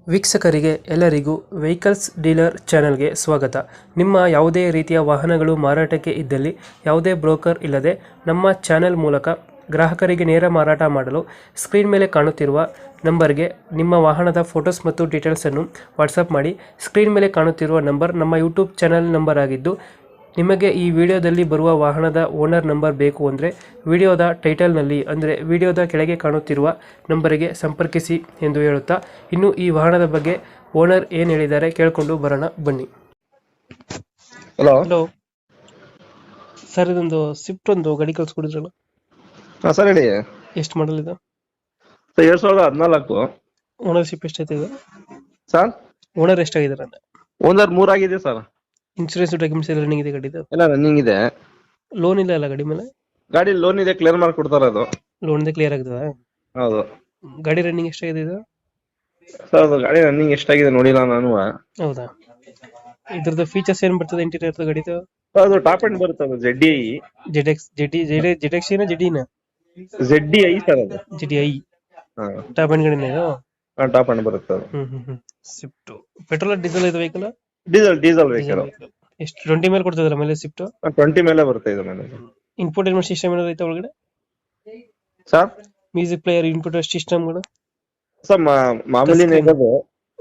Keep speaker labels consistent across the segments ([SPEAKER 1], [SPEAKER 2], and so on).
[SPEAKER 1] ವೀಕ್ಷಕರಿಗೆ ಎಲ್ಲರಿಗೂ vehicles dealer ಚಾನೆಲ್ಗೆ ಸ್ವಾಗತ. ನಿಮ್ಮ ಯಾವುದೇ ರೀತಿಯ ವಾಹನಗಳು ಮಾರಾಟಕ್ಕೆ ಇದ್ದಲ್ಲಿ ಯಾವುದೇ ಬ್ರೋಕರ್ ಇಲ್ಲದೆ ನಮ್ಮ ಚಾನೆಲ್ ಮೂಲಕ ಗ್ರಾಹಕರಿಗೆ ನೇರ ಮಾರಾಟ ಮಾಡಲು ಸ್ಕ್ರೀನ್ ಮೇಲೆ ಕಾಣುತ್ತಿರುವ ನಂಬರ್ಗೆ ನಿಮ್ಮ ವಾಹನದ ಫೋಟೋಸ್ ಮತ್ತು ಡೀಟೇಲ್ಸನ್ನು ವಾಟ್ಸಪ್ ಮಾಡಿ. ಸ್ಕ್ರೀನ್ ಮೇಲೆ ಕಾಣುತ್ತಿರುವ ನಂಬರ್ ನಮ್ಮ ಯೂಟ್ಯೂಬ್ ಚಾನೆಲ್ ನಂಬರ್ ಆಗಿದ್ದು, ನಿಮಗೆ ಈ ವಿಡಿಯೋದಲ್ಲಿ ಬರುವ ವಾಹನದ ಓನರ್ ನಂಬರ್ ಬೇಕು ಅಂದರೆ ವಿಡಿಯೋದ ಟೈಟಲ್ನಲ್ಲಿ ಅಂದರೆ ವಿಡಿಯೋದ ಕೆಳಗೆ ಕಾಣುತ್ತಿರುವ ನಂಬರಿಗೆ ಸಂಪರ್ಕಿಸಿ ಎಂದು ಹೇಳುತ್ತಾ, ಇನ್ನು ಈ ವಾಹನದ ಬಗ್ಗೆ ಓನರ್ ಏನು ಹೇಳಿದ್ದಾರೆ ಕೇಳಿಕೊಂಡು ಬರೋಣ ಬನ್ನಿ.
[SPEAKER 2] ಹಲೋ.
[SPEAKER 1] ಹಲೋ ಸರ್, ಇದೊಂದು ಸ್ವಿಫ್ಟ್ ಒಂದು ಗಾಡಿ ಕಳ್ಸ್ಕೊಡಿದ್ರಲ್ಲ,
[SPEAKER 2] ಹಾ ಸರ್ ಹೇಳಿ.
[SPEAKER 1] ಎಷ್ಟು ಮಾಡಲ್ ಇದು?
[SPEAKER 2] ಸರ್ 2014
[SPEAKER 1] ಓನರ್ಶಿಪ್ ಎಷ್ಟೈತೆ ಇದು?
[SPEAKER 2] ಸರ್
[SPEAKER 1] ಓನರ್ ಎಷ್ಟಾಗಿದ್ದಾರೆ ಅಂತ?
[SPEAKER 2] ಓನರ್ 3 ಆಗಿದೆ ಸರ್.
[SPEAKER 1] ಇನ್ಶೂರೆನ್ಸ್ ಡಾಕ್ಯುಮೆಂಟ್ಸ್ ಎಲ್ಲ ರನ್ನಿಂಗ್ ಇದೆ ಗಾಡಿದು?
[SPEAKER 2] ಎಲ್ಲ ರನ್ನಿಂಗ್ ಇದೆ.
[SPEAKER 1] ಲೋನ್ ಇಲ್ಲ ಅಲ್ಲ ಗಾಡಿ ಮೇಲೆ?
[SPEAKER 2] ಗಾಡಿ ಲೋನ್ ಇದೆ, ಕ್ಲಿಯರ್ ಮಾಡಿ ಕೊಡ್ತಾರೆ ಅದು.
[SPEAKER 1] ಲೋನ್ ಇದೆ, ಕ್ಲಿಯರ್ ಆಗ್ತದ?
[SPEAKER 2] ಹೌದು.
[SPEAKER 1] ಗಾಡಿ ರನ್ನಿಂಗ್ ಎಷ್ಟಾಗಿದೆ ಇದು?
[SPEAKER 2] ಸರ್ ಅದು ಗಾಡಿ ರನ್ನಿಂಗ್ ಎಷ್ಟಾಗಿದೆ ನೋಡಿಲ್ಲ ನಾನು.
[SPEAKER 1] ಹೌದಾ? ಇದ್ರದ್ದು ಫೀಚರ್ಸ್ ಏನ್ ಬರ್ತದೆ ಇಂಟೀರಿಯರ್ ಗಾಡಿದು?
[SPEAKER 2] ಸರ್ ಅದು ಟಾಪ್ ಎಂಡ್ ಬರುತ್ತೆ, ಅದು ZDI.
[SPEAKER 1] ಜೆಡ್ ಎಕ್ಸ್ ಜೆಡಿನ?
[SPEAKER 2] ZDI ಸರ್ ಅದು.
[SPEAKER 1] GTI
[SPEAKER 2] ಹಾ
[SPEAKER 1] ಟಾಪ್ ಎಂಡ್ ಗಾಡಿನ ಇದು?
[SPEAKER 2] ಟಾಪ್ ಎಂಡ್ ಬರುತ್ತೆ ಅದು.
[SPEAKER 1] ಸ್ವಿಫ್ಟ್ ಪೆಟ್ರೋಲ್ ಡೀಸೆಲ್ ಇದು ವೆಹಿಕಲ್?
[SPEAKER 2] Diesel vehicle.
[SPEAKER 1] ಎಷ್ಟು 20 ಮೇಲೆ ಕೊಡ್ತದಲ್ಲ ಮೇಲೆ ಸ್ವಿಫ್ಟ್?
[SPEAKER 2] 20 ಮೇಲೆ ಬರುತ್ತೆ ಇದು ಮೇಲೆ.
[SPEAKER 1] ಇನ್ಫೋಟೈನ್ಮೆಂಟ್ ಸಿಸ್ಟಮ್ ಏನಾದ್ರು ಐತೆ ಒಳಗಡೆ?
[SPEAKER 2] ಸರ್
[SPEAKER 1] ಮ್ಯೂಸಿಕ್ ಪ್ಲೇಯರ್, ಇನ್ಪುಟ್ ಸಿಸ್ಟಮ್ಗಳು?
[SPEAKER 2] ಸರ್ ಮಾಮೂಲಿನೇ ಇರೋದು.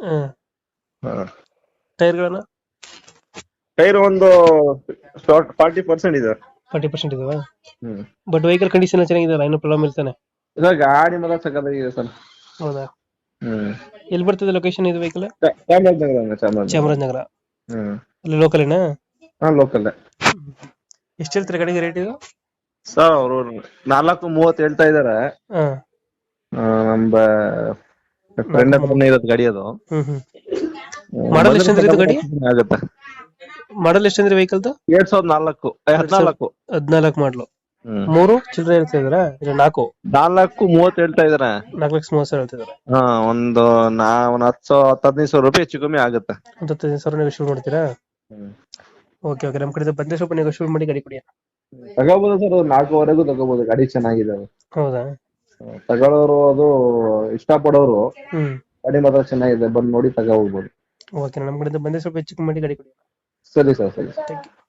[SPEAKER 1] ಟೈರ್ಗಳನ್ನ?
[SPEAKER 2] ಟೈರ್ ಒಂದು 40% ಇದೆ.
[SPEAKER 1] 40% ಇದಾವ? ಬಟ್ ವೆಹಿಕಲ್ ಕಂಡೀಷನ್ ಚೆನ್ನಾಗಿದೆ, ಏನು ಪ್ರಾಬ್ಲಮ್ ಇಲ್ತಾನೆ?
[SPEAKER 2] ಇದು ಗಾಡಿ ಮಾತ್ರ ಸಕ್ಕತ್ತಾಗಿದೆ ಸರ್.
[SPEAKER 1] ಹೌದಾ? ಎಲ್ಲಿ ಬರ್ತದೆ ಲೊಕೇಶನ್ ಇದು ವೆಹಿಕಲ್? ಚಾಮರಾಜನಗರ. ಅಲ್ಲಿ ಲೋಕಲೇನಾ?
[SPEAKER 2] ಹಾ ಲೋಕಲ್.
[SPEAKER 1] ಎಷ್ಟು ಹೇಳ್ತಾರೆ ಗಾಡಿಗೆ ರೇಟ್ ಇದು?
[SPEAKER 2] ಸರ್ ಅವರು 430 ಹೇಳ್ತಾ ಇದಾರೆ. ನಮ್ಮ ಫ್ರೆಂಡ್ ಹತ್ರನೇ ಇರೋದು ಗಾಡಿ ಅದು.
[SPEAKER 1] ಮಾಡಲ್ ಎಷ್ಟಂದ್ರೆ ಇದು ಗಾಡಿ?
[SPEAKER 2] ಆಗುತ್ತೆ.
[SPEAKER 1] ಮಾಡಲ್ ಎಷ್ಟಂದ್ರೆ ವೆಹಿಕಲ್ದು?
[SPEAKER 2] 2014
[SPEAKER 1] 14 ಮಾಡಲು. 3 ಚಿಲ್ಲರೆ ಹೇಳ್ತಾ ಇದಾರೆ? ಇಲ್ಲ 4?
[SPEAKER 2] 430 ಹೇಳ್ತಾ ಇದಾರೆ.
[SPEAKER 1] 4,30,000 ಹೇಳ್ತಿದಾರೆ.
[SPEAKER 2] ಹಾ ಒಂದು 10-15 ರೂಪಾಯಿ ಹೆಚ್ಚು ಕಮ್ಮಿ ಆಗುತ್ತೆ.
[SPEAKER 1] ಒಂದು 15,000 ನೆಗೋಶಿಯೇಟ್ ಮಾಡ್ತೀರಾ? ಓಕೆ ಓಕೆ, ನಮ್ಮ ಕಡೆ ಬಂದ್ರೆ ಸ್ವಲ್ಪ ನೆಗೋಶಿಯೇಟ್ ಮಾಡಿ ಗಾಡಿ ಕೊಡಿ.
[SPEAKER 2] ತಗೋಬಹುದು ಸರ್, 4ವರೆಗೂ ತಗೋಬಹುದು, ಗಾಡಿ ಚೆನ್ನಾಗಿದೆ ಅದು.
[SPEAKER 1] ಹೌದಾ?
[SPEAKER 2] ತಗೊಳ್ಳೋರು ಅದು ಇಷ್ಟಪಡೋರು ಗಾಡಿ ಮಾತ್ರ ಚೆನ್ನಾಗಿದೆ, ಬಂದು ನೋಡಿ ತಗೋ ಹೋಗ್ಬೋದು.
[SPEAKER 1] ಓಕೆ, ನಮ್ಮ ಕಡೆ ಬಂದ್ರೆ ಸ್ವಲ್ಪ ಹೆಚ್ಚು ಮಾಡಿ ಗಾಡಿ ಕೊಡಿ.
[SPEAKER 2] ಸರಿ ಸರ್, ಸರಿ.
[SPEAKER 1] Thank you.